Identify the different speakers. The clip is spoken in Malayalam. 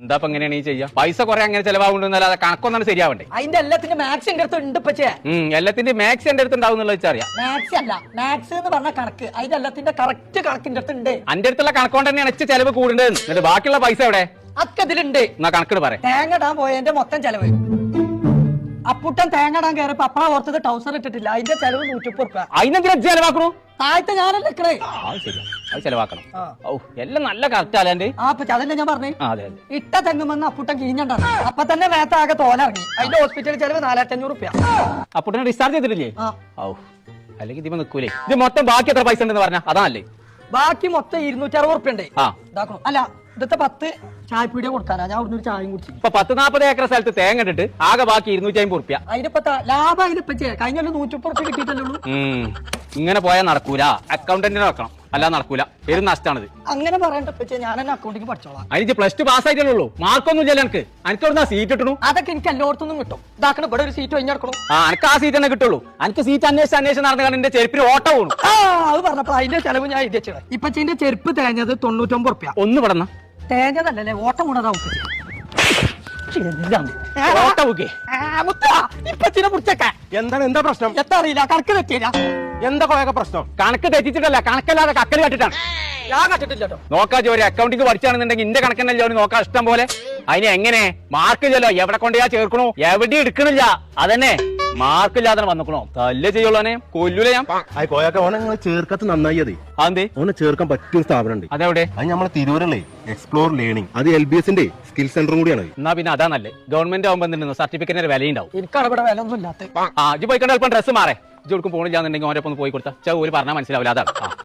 Speaker 1: എന്താ എങ്ങനെയാണ് ഈ ചെയ്യാ? പൈസ കുറെ അങ്ങനെ ചെലവാകുന്നല്ലാതെ കണക്കൊന്നാണ് ശരിയാവണ്ടേ?
Speaker 2: അതിന്റെ എല്ലാത്തിന്റെ മാത്സ് എന്റെ അടുത്ത് ഉണ്ട് ഇപ്പച്ചേ.
Speaker 1: എല്ലാത്തിന്റെ മാക്സ് എന്റെ അടുത്ത് ഉണ്ടാവും വെച്ചറിയാം.
Speaker 2: മാത്സ് അല്ല, മാത്സ് എന്ന് പറഞ്ഞ കണക്ക്. അതിന്റെ എല്ലാത്തിന്റെ കറക്റ്റ് കണക്കിന്റെ അടുത്ത് ഉണ്ട്.
Speaker 1: അന്റെ അടുത്തുള്ള കണക്കൊണ്ട് തന്നെയാണ് എച്ച് ചെലവ് കൂടുന്നത്. എന്നിട്ട് ബാക്കിയുള്ള പൈസ എവിടെ?
Speaker 2: അതൊക്കെ ഇതിലുണ്ട്.
Speaker 1: എന്നാ കണക്കിട് പറയാം.
Speaker 2: തേങ്ങ ഇടാൻ പോയതിന്റെ മൊത്തം ചെലവ്. അപ്പുട്ടൻ തേങ്ങ ഇടാൻ കയറിയപ്പോ അപ്പഴ ഓർത്തത് ടൗസർ ഇട്ടിട്ടില്ല. അതിന്റെ ചെലവ് 130 രൂപ.
Speaker 1: അതിനെന്തിനാ ചെലവാക്കണു?
Speaker 2: താഴത്തെ ഞാനല്ലേ നിക്കണേ.
Speaker 1: അത് ചെലവാക്കണം. ഓ എല്ലാം നല്ല കറക്റ്റ് അല്ലാണ്ട്.
Speaker 2: അതല്ലേ ഞാൻ പറഞ്ഞു.
Speaker 1: അതെ
Speaker 2: ഇട്ട തെങ്ങുമെന്ന് അപ്പുട്ടൻ കിഴിഞ്ഞണ്ടാണ്. അപ്പൊ തന്നെ മേത്താകെ തോലിറങ്ങി. അതിന്റെ ഹോസ്പിറ്റൽ ചെലവ് 4500 രൂപ.
Speaker 1: അപ്പുട്ടനെ ഡിസ്ചാർജ് ചെയ്തിട്ടില്ലേ? ഓ അല്ലെങ്കിൽ ഇതിപ്പോ നിക്കൂലേ? ഇത് മൊത്തം ബാക്കി എത്ര പൈസ ഉണ്ടെന്ന് പറഞ്ഞാ അതല്ലേ?
Speaker 2: ബാക്കി മൊത്തം 260 രൂപ ഉണ്ട്. ഇതാക്കണം. അല്ല ഇതത്തെ 10 ചായപ്പീടിയ കൊടുക്കാനാ. ഞാൻ അവിടുന്ന് ഒരു ചായയും കുടിച്ചു.
Speaker 1: ഇപ്പൊ 10-40 ഏക്കർ സ്ഥലത്ത് തേങ്ങ ഇട്ടിട്ട് ആകെ ബാക്കി 250 രൂപ.
Speaker 2: അതിനിപ്പോ ലാഭം അതിനിപ്പ കഴിഞ്ഞ 130 രൂപ കിട്ടിയിട്ടല്ലോ.
Speaker 1: ഇങ്ങനെ പോയാൽ നടക്കൂല. അക്കൗണ്ടന്റിനെ വെക്കണം, അല്ലാതെ നടക്കൂല. പേര് നഷ്ടമാണിത്.
Speaker 2: അങ്ങനെ പറയണ്ട. ഞാൻ എന്നെ അക്കൗണ്ടിങ് പഠിച്ചോളാം.
Speaker 1: അതിന് +2 പാസ്സായിട്ടുള്ളൂ. മാർക്കൊന്നും ഇല്ല എനിക്ക്. എനിക്കവിടുന്ന് സീറ്റ് കിട്ടണു.
Speaker 2: അതൊക്കെ എനിക്ക് എല്ലായിടത്തുനിന്നും കിട്ടും. ഇതാക്കണം. ഇവിടെ ഒരു സീറ്റ് കഴിഞ്ഞെടുക്കണം.
Speaker 1: എനിക്ക് ആ സീറ്റ് തന്നെ കിട്ടുള്ളൂ. എനിക്ക് സീറ്റ് അന്വേഷിച്ച് നടന്നു കാരണം എന്റെ ചെരുപ്പിന് ഓട്ട പോണു.
Speaker 2: അത് പറഞ്ഞപ്പോ അതിന്റെ ചെലവ് ഞാൻ എഴുതി വെച്ചത്. ഇപ്പച്ചിന്റെ ചെരുപ്പ് തേഞ്ഞത് 99 രൂപ.
Speaker 1: ഒന്ന് പെടന്ന
Speaker 2: തേഞ്ഞതല്ലേ, ഓട്ടം കൊണ്ടതാ.
Speaker 1: എന്താണ്? എന്താ പ്രശ്നം?
Speaker 2: എത്താ അറിയില്ല. കണക്ക് തെറ്റിയില്ല.
Speaker 1: എന്താ കൊയൊക്കെ പ്രശ്നം? കണക്ക് തെറ്റിച്ചിട്ടല്ല, കണക്കല്ലാതെ കക്കല് കട്ടിട്ടാണ്.
Speaker 2: ഞാൻ കണ്ടിട്ടില്ലോ.
Speaker 1: നോക്കാ ജോലി അക്കൗണ്ടിങ് പഠിച്ചാണെന്നുണ്ടെങ്കിൽ ഇന്റെ കണക്കന്നെ ജോലി നോക്കാം ഇഷ്ടം പോലെ. അതിന് എങ്ങനെ മാർക്കില്ലല്ലോ? എവിടെ കൊണ്ടുപോയാ ചേർക്കണോ? എവിടെ എടുക്കണില്ല. അതന്നെ മാർക്കില്ലാതെ വന്നിക്കണോ? തല്ലേ ചെയ്യുള്ളൂനെ കൊല്ലൂല ഞാൻ.
Speaker 3: കോയൊക്കെ ചേർക്കത്ത് നന്നായി.
Speaker 1: അതെ
Speaker 3: ഓനെ ചേർക്കാൻ പറ്റിയ സ്ഥാപനം ഉണ്ട്.
Speaker 1: അതെവിടെ?
Speaker 3: അത് നമ്മളെ തിരൂരല്ലേ, എക്സ്പ്ലോർ ലേണിംഗ്. അത് LBSന്റെ സ്കിൽ സെന്ററും കൂടിയാണ്.
Speaker 1: എന്നാ പിന്നെ അതാ നല്ലേ. ഗവൺമെന്റ് ആവുമ്പോ സർട്ടിഫിക്കറ്റിന് വിലയുണ്ടാവും.
Speaker 2: എനിക്കാണ് ഇവിടെ വില ഒന്നും ഇല്ലാത്ത.
Speaker 1: ഇജ്ജ് പോയിക്കൊണ്ട് അല്പം ഡ്രസ്സ് മാറേ. ഇജ്ജ് കൊടുക്കും പോണില്ലാന്നുണ്ടെങ്കിൽ ഓരോ ഒന്ന് പോയി കൊടുത്താൽ ഒരു പറഞ്ഞാൽ മനസ്സിലാവില്ല. അതാണ്.